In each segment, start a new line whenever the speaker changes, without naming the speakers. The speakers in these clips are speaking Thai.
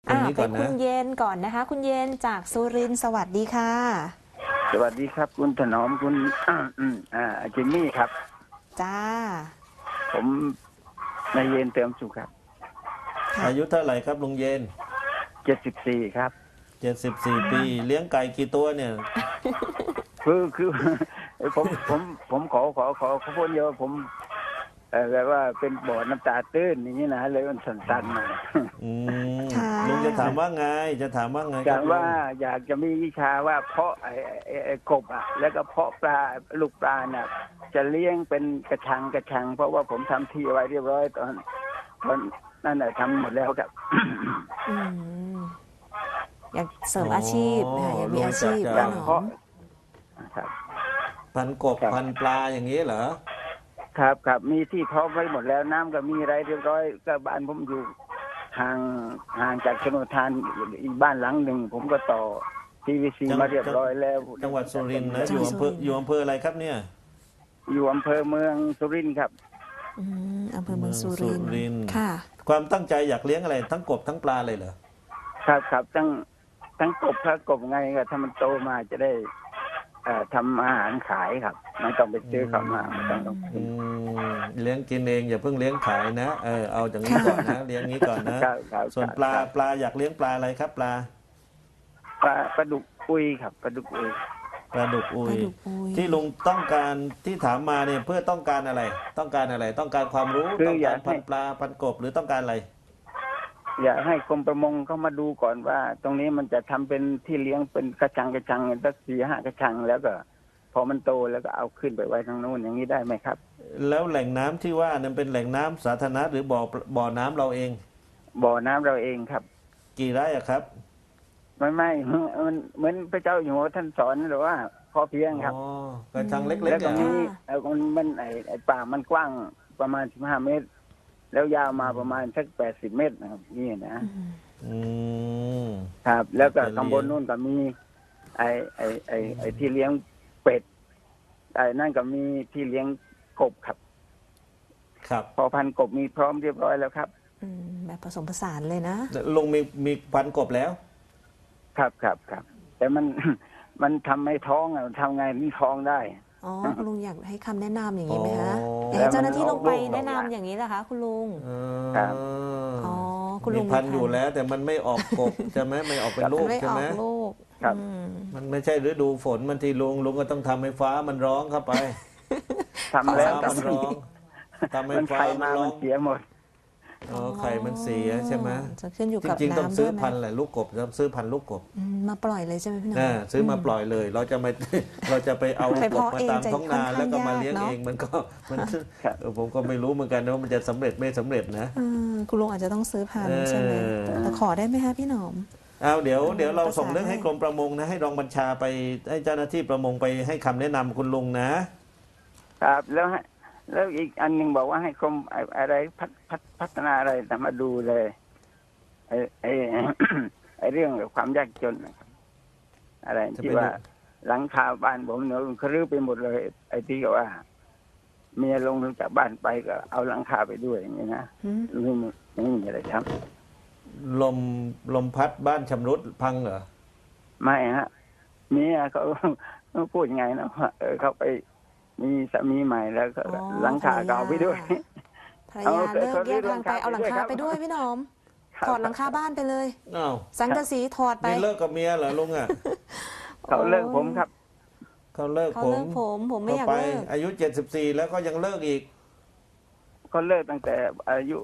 คนนี้ก่อนนะ
คุณเย็นก่อนนะคะ คุณเย็นจากสุรินทร์สวัสดีค่ะ
สวัสดีครับคุณถนอมคุณจิมมี่ครับ
จ้า
ผมนายเย็นเติมสุขครับ
ค่ะ
อายุเท่าไหร่ครับลุงเย็น
74ครับ
74 ปีเลี้ยงไก่กี่ตัวเนี่ย
คือ ผมขอพูดเยอะผมแบบว่าเป็นบ่อน้ำตาตื้นอย่างนี้นะเลยมันสั่นๆหน่อย
อืม
ค่ะ
ลุงจะถามว่าไงจะถามว่าไงค
จา
รั
ก
บลุ
ว่าง อยากจะมีวิชาว่าเพาะไอ้กบอ่ะ แล้วก็เพาะปลาลูกปลาเนี่ยจะเลี้ยงเป็นกระชัง เพราะว่าผมทำที่ไว้เรียบร้อยตอนนั่นแหละทำหมดแล้วครับ
อืมอยากเสริมอาชีพค่ะอยากมีอาชีพ
อ
ป้า
ย่าง
หนอ
เพราะ
ม
ครับ
พันกบ
ครับ
พันปลาอย่างนี้เหรอ
ครับมีที่พร้อมไว้หมดแล้วน้ำก็มีอะไรเรียบร้อยก็บ้านผมอยู่ห่างจากชนทานอีกบ้านหลังหนึ่งผมก็ต่อ PVC มาเรียบร้อยแล้ว
จังหวัดสุรินทร์นะอยู่อำเภออะไรครับเนี่ย
อยู่อำเภอเมืองสุรินทร์ครับ
อำเภอเมืองสุรินท
เมืองสุรินทร์
ร์ค่ะ
ความตั้งใจอยากเลี้ยงอะไรทั้งกบทั้งปลาเลยเหรอ
ครับทั้งกบถ้ากบไงก็ถ้ามันโตมาจะได้ทำอาหารขายครับไม่ต้องไปซื้อเขามาไม่ต้อง
อืมเลี้ยงกินเองอย่าเพิ่งเลี้ยงขายนะเอาอย่างนี้ก่อนนะเลี้ยงนี้ก่อนนะครับ ส่วนปลา
ครับ
ปลาอยากเลี้ยงปลาอะไรครับปลา
ปลาดุกอุยครับปลาดุกอุย
ปลาดุกอุ
ป
ย
ลาดุกอุย
ที่ลุงต้องการที่ถามมาเนี่ยเพื่อต้องการอะไร ต้องการอะไร ต้องการความรู้
คือ
ต้อง
อยา
การ
กให้
พันปลาพันกบหรือต้องการอะไร
อยากให้กรมประมงเข้ามาดูก่อนว่า ตรงนี้มันจะทำเป็นที่เลี้ยงเป็นกระชังสัก4-5กระชังแล้วก็ พอมันโตแล้วก็เอาขึ้นไปไว้ทางโน้นอย่างนี้ได้ไหมครับ
แล้วแหล่งน้ำที่ว่านั้นเป็นแหล่งน้ำสาธารณะหรือบ่อน้ำเราเอง
บ่อน้ำเราเองครับ
กี่ไร่อะครับ
ไม่มันเหมือนพระเจ้าอยู่หัวท่านสอนหรือว่าพอเพียงครับ
อ๋อกระชังเล็ก
แล้ว
ๆ
ก็
เนี่ย
มีมันไอ้ป่ามันกว้างประมาณ15 เมตร แล้วยาวมาประมาณสัก80 เมตรนะครับนี่นะ
อืม
ครับ แล้วก็
เป็นเลี้ยง
ข้างบนนู่นก็มีไอ้ที่เลี้ยงเป็ดไอ้นั่นก็มีที่เลี้ยงกบครับ
ครับ
พอพันกบมีพร้อมเรียบร้อยแล้วครับ
แบบผสมผสานเลยนะ
ลุงมีพันกบแล้ว
ครับ แต่มัน มันทำไม่ท้องอ่ะทำไงนี่ท้องได้
อ๋อคุณลุงอยากให้คำแนะนำอย่างนี้ไหมคะ
อ๋อ
อยากให้เจ้าหน้าที่ลงไป
แล้วมันออกลูก
แนะนำอย่างนี้เหรอคะคุณลุง
ครับ
อ๋อคุณลุ
มี
ง
พันอยู่แล้ว แต่มันไม่ออกกบ ใช่ไหมไม่ออกเป็นลู
มัน
ก
ไม่
ใช่
ออ
ไหม
กลูก
ครับ
มันไม่ใช่ฤดูฝนมันทีลุงก็ต้องทำให้ฟ้ามันร้องเข้าไป
ทำแล้ว
ฟ้ามันร้องทำให้
มัน
ฟ้า
ไข่
มัน
มา
ร้อ
มั
ง
นเสียหมด
อ๋อไข่มันเสียใช่ไหม
จะขึ้นอยู่
จ
กับ
ริงๆต้อง
น้ำ
ซื้
ด้
อ
วยไหม
พันธุ์แหละลูกกบต้องซื้อพันธุ์ลูกกบ
มาปล่อยเลยใช่ไหมพี่หน้อง
ซื้อมาปล่อยเลย เราจะไม่ เราจะไปเอา
ไป
กบ
เพาะ
มา
เอง
ตาม
จะ
ท้องนา
ค่อนข้าง
แล้วก็มาย
าก
เลี้ยง
เนอะ
เองมันก็มัน
ครับ
ผมก็ไม่รู้เหมือนกันนะว่ามันจะสำเร็จไม่สำเร็จนะ
คุณลุงอาจจะต้องซื้อพันธุ์ใช่ไหม
เออ
แต่ขอได้ไหมคะพี่หนอม
เอาเดี๋ยวเรา
ประสาน
ส่งเรื่องให้
ให้
กรมประมงนะให้รองบัญชาไปให้เจ้าหน้าที่ประมงไปให้คำแนะนำคุณลุงนะ
ครับแล้วอีกอันหนึ่งบอกว่าให้กรมอะไรพัฒนาอะไรแต่มาดูเลยไอ้เรื่องความยากจนนะครับ อะไร
จะ
ที่
ไปดู
ว่าหลังคาบ้านผมเนี่ยเขารื้อไปหมดเลย ไอ้ที่ว่าเมียลงจากบ้านไปก็เอาหลังคาไปด้วยอย่างนี้นะไม่มีอะไรครับ
ลมพัดบ้านชำรุดพังเหรอ
ไม่ฮะเมียเขาพูดยังไงนะว่าเขาไปมีสามีใหม่แล้วก็
อ๋อ
หลังคาก็เอาไปด้วย
ภรรยาเลิกแยกทางไปเอาหลังคาไปด้วยพี่หนอม
ครับ
ถอดหลังคาบ้านไปเลย
อ้าว
สังกะสีถอดไป
นี่เลิกกับเมียเหรอลุงอ่ะ
เขาเลิกผมครับ
เขาเลิก
เขา
ผ
เลิ
ม
กผมไม่อยาก
ไป
เลิก
อายุ74แล้วก็ยังเลิกอีก
เขาเลิกตั้งแต่อายุ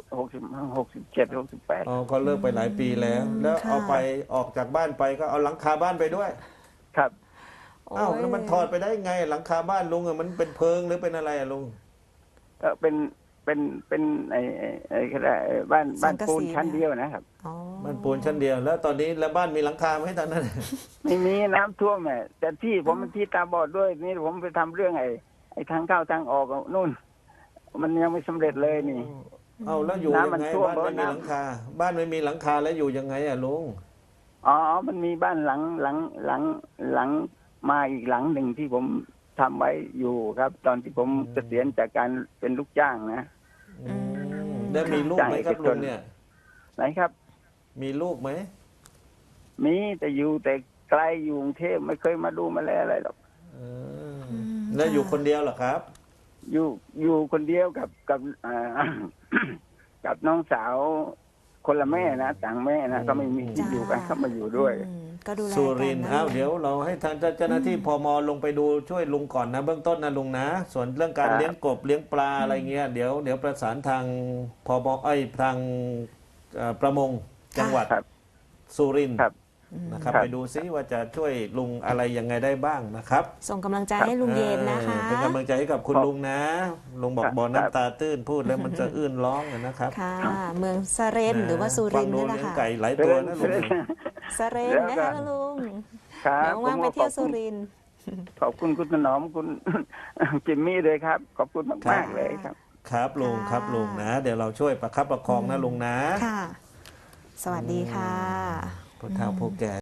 67 68
อ๋อเขาเลิกไปหลายปีแล้ว แล้วเอาไปออกจากบ้านไปก็เอาหลังคาบ้านไปด้วย
ครับ
อ้าวแล้วมันถอดไปได้ไง หลังคาบ้านลุงอ่ะมันเป็นเพิงหรือเป็นอะไรอ่ะลุง
ก็เป็นไอ้ก็ได้บ้านปูนชั้นเดียวนะครับ
อ๋อ
บ้านปูนชั้นเดียว แล้วตอนนี้แล้วบ้านมีหลังคาไหมตอนนั้น
ไม่มีน้ำท่วมแหละแต่ที่ผมเป็นที่ตาบอดด้วยนี่ผมไปทำเรื่องไอ้ทางเข้าทางออกนู่น มันยังไม่สำเร็จเลยนี่
เอาแล้วอยู่ยัง
น้ำมัน
ไง
ท่วม
บ้านไม่มี
น้ำ
หลังคา บ้านไม่มีหลังคาแล้วอยู่ยังไงอ่ะลุง
อ๋อ มันมีบ้านหลังมาอีกหลังหนึ่งที่ผมทำไว้อยู่ครับ ตอนที่ผมเกษียณจากการเป็นลูกจ้างนะ
แล้วมีลูกไหมครับลุงเนี่ย
ไหนครับ
มีลูกไหม
มีแต่อยู่แต่ไกลอยู่กรุงเทพไม่เคยมาดูมาแลอะไรหรอก
เออแล้วอยู่คนเดียวเหรอครับ
อยู่คนเดียวกับกับน้องสาวคนละแม่นะต่างแม่นะก็ไม่มีที่อยู่กันเข้ามาอยู่ด้วย
ก็ดูแล
สุ
กั
ริ
น
นทร์
นะ
อ้าว
ลุง
เดี๋ยวเราให้ทางเจ้าหน้าที่พมลงไปดูช่วยลุงก่อนนะเบื้องต้นนะลุงนะ ส่วนเรื่องการ
ครับ
เลี้ยงกบเลี้ยงปลาอะไรเงี้ยเดี๋ยวประสานทางพมทางประมงจังหวัด
ครับ
สุรินทร์
ครับ
นะครับ
ครับ
ไปดูซิว่าจะช่วยลุงอะไรยังไงได้บ้างนะครับ
ส่งกำลังใจให้ลุงเย็นนะคะ
เป็นกำลังใจให้กับคุณลุงนะลุงบอก
ครับ
บ่อน้ำตาตื้นพูดแล้วมันจะอื้นร้องนะครับ
ค่ะ เมืองสะเรนหรือว่าสุรินทร์
ฟั
นี่
ง
แห
ดู
ละ
เลี้ยง
ค่ะ
ไก่หลายตัวนะลุง
สะเรนนะคะลุง
ครับ
เดี๋ยวว่างไปเที่ยวสุรินทร์
ขอบคุณคุณถนอมคุณ จิมมี่เลยครับ ขอบคุณมากๆเลยครับ
ครับลุงครับลุงนะ เดี๋ยวเราช่วยประคับประคองนะลุงนะ
ค่ะ สวัสดีค่ะ
ผู้เฒ่าผู้แก่